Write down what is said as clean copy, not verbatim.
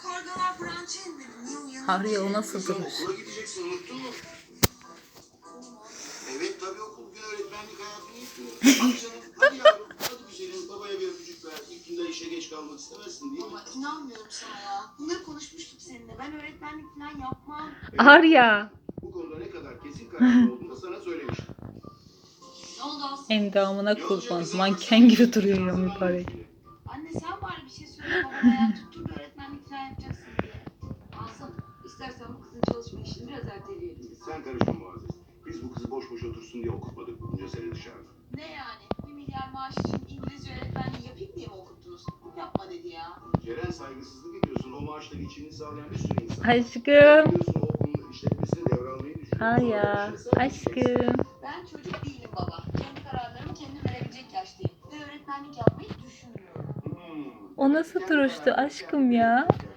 Arya o nasıl duruş? Okula gideceksin, unuttun mu? Evet tabii okul bugün öğretmenlik hayatını yıkıyor. Hadi canım, hadi yavrum, hadi güzelim. Babaya bir öpücük ver. İlk günden işe geç kalmak istemezsin değil mi? Ama inanmıyorum sana ya. Bunları konuşmuştuk seninle. Ben öğretmenlik falan yapmam. Arya. Bu konuda ne kadar kesin kararlı olduğunu da sana söylemiştim. Ne oldu Aslı? Endamına kurban. Manken gibi duruyor ya mübarek. Anne sen bari bir şey söyle. Babana ya tutturdu öğretmenlik falan yapacaksın diye. Aslı istersen bu kızın çalışma işini biraz erteleyelim biz. Sen karışma Muazzez. Biz bu kızı boş boş otursun diye okutmadık bunca sene dışarıda. Ne yani? 1 milyar maaş için İngilizce öğretmenliği yapayım diye mi okuttunuz? Yapma dedi ya. Ceren saygısızlık ediyorsun. O maaşla geçimini sağlayan bir sürü insan. Aşkım. Biliyorsun o okulun işletmesini devralmayı düşünüyorsun. Arya. Aşkım. Ben çocuk değilim baba. Kendi kararlarımı kendim verebilecek yaştayım. Ve öğretmenlik yapmayı düşünmüyorum. O nasıl duruştu aşkım ya?